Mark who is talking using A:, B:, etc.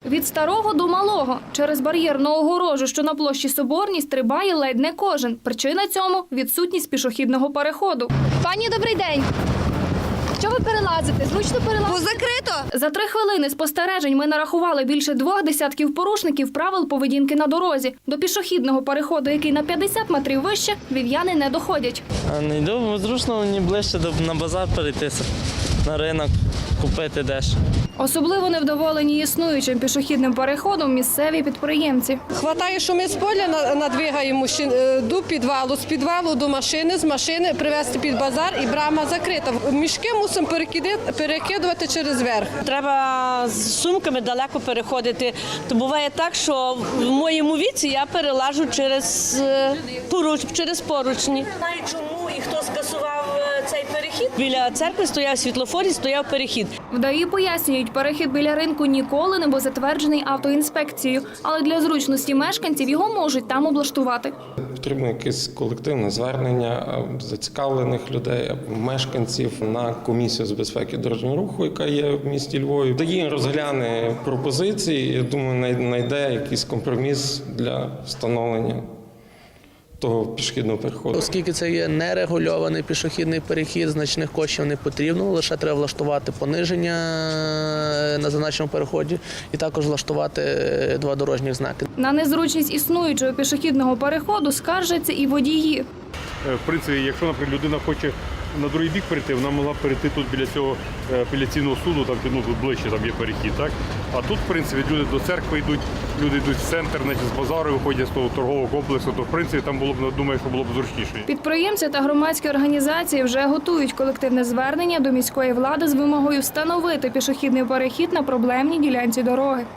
A: Від старого до малого. Через бар'єрну огорожу, що на площі Соборній, стрибає ледь не кожен. Причина цьому – відсутність пішохідного переходу. Пані, добрий день. Що ви перелазите? Зручно перелазити?
B: Закрито!
A: За 3 хвилини спостережень ми нарахували більше 2 десятків порушників правил поведінки на дорозі. До пішохідного переходу, який на 50 метрів вище, львів'яни не доходять.
C: Не йду, бо зручно мені ближче на базар перейтися, на ринок, купити дещо.
A: Особливо невдоволені існуючим пішохідним переходом місцеві підприємці.
D: Хватає, що ми з поля надвигаємо до підвалу, з підвалу до машини, з машини привезти під базар і брама закрита. Мішки мусимо перекидувати через верх.
E: Треба з сумками далеко переходити. То буває так, що в моєму віці я перелажу через поручні. Знаю чому і хто скасував цей перехід. Біля церкви стояв світлофор і стояв перехід.
A: В ДАІ пояснюють, перехід біля ринку ніколи не був затверджений автоінспекцією, але для зручності мешканців його можуть там облаштувати.
F: Потрібно якесь колективне звернення зацікавлених людей або мешканців на комісію з безпеки дорожнього руху, яка є в місті Львові. ДАІ розгляне пропозиції, я думаю, знайде якийсь компроміс для встановлення того пішохідного переходу.
G: Оскільки це є нерегульований пішохідний перехід, значних коштів не потрібно, лише треба влаштувати пониження на зазначеному переході і також влаштувати 2 дорожніх знаки.
A: На незручність існуючого пішохідного переходу скаржаться і водії.
H: В принципі, якщо, наприклад, людина хоче на другий бік перейти, вона могла перейти тут біля цього апеляційного суду, там тут ближче там є перехід, так? А тут, в принципі, люди до церкви йдуть, люди йдуть в центр, з базару виходять з того торгового комплексу, то, в принципі, там було б, думаю, що було б зручніше.
A: Підприємці та громадські організації вже готують колективне звернення до міської влади з вимогою встановити пішохідний перехід на проблемній ділянці дороги.